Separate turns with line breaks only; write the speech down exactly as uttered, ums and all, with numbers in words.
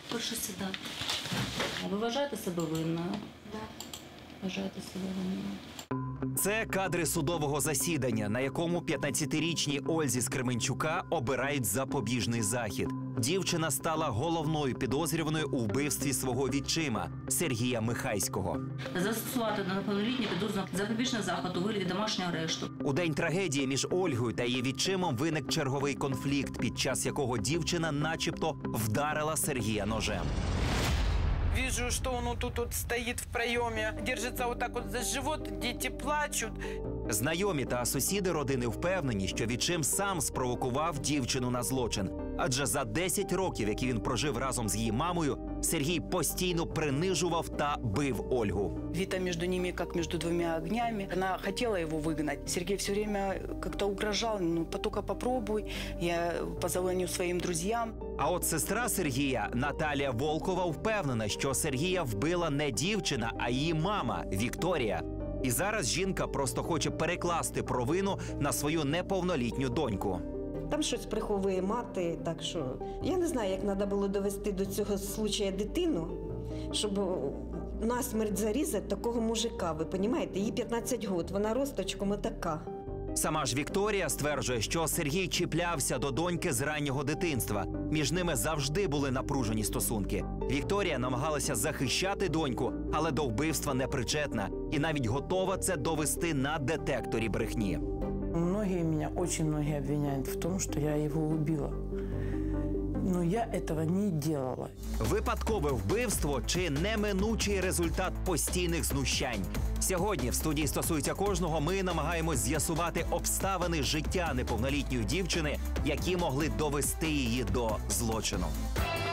Прошу сідати. Ви вважаєте себе винною?
Да.
Вважаєте себе винною.
Це кадри судового засідання, на якому п'ятнадцятирічній Ользі з Кременчука обирають запобіжний захід. Дівчина стала головною підозрюваною у вбивстві свого відчима Сергія Михайського.
Застосувати до неповнолітньої підозрюваного запобіжний захід у вигляді домашнього арешту.
У день трагедії між Ольгою та її відчимом виник черговий конфлікт, під час якого дівчина начебто вдарила Сергія ножем.
Вижу, что он вот тут вот стоит в проеме, держится вот так вот за живот, дети плачут.
Знайомі та сусіди родини впевнені, що відчим сам спровокував дівчину на злочин. Адже за десять років, які він прожив разом з її мамою, Сергій постійно принижував та бив Ольгу.
Вита между ними, как между двумя огнями. Она хотела его выгнать. Сергей все время как-то угрожал, ну, только попробуй, я позвоню своим друзьям.
А от сестра Сергія, Наталія Волкова, впевнена, що Сергія вбила не дівчина, а її мама Вікторія. І зараз жінка просто хоче перекласти провину на свою неповнолітню доньку.
Там щось приховує мати, так що я не знаю, як треба було довести до цього случая дитину, щоб насмерть зарізати такого мужика. Ви розумієте, їй п'ятнадцять років, вона росточком отака.
Сама ж Вікторія стверджує, що Сергій чіплявся до доньки з раннього дитинства. Між ними завжди були напружені стосунки. Вікторія намагалася захищати доньку, але до вбивства не причетна. І навіть готова це довести на детекторі брехні.
Многие меня, очень многие обвиняют в том, что я его убила. Но я этого не делала.
Випадкове вбивство чи неминучий результат постійних знущань? Сьогодні в студії «Стосується кожного» ми намагаємось з'ясувати обставини життя неповнолітньої дівчини, які могли довести її до злочину.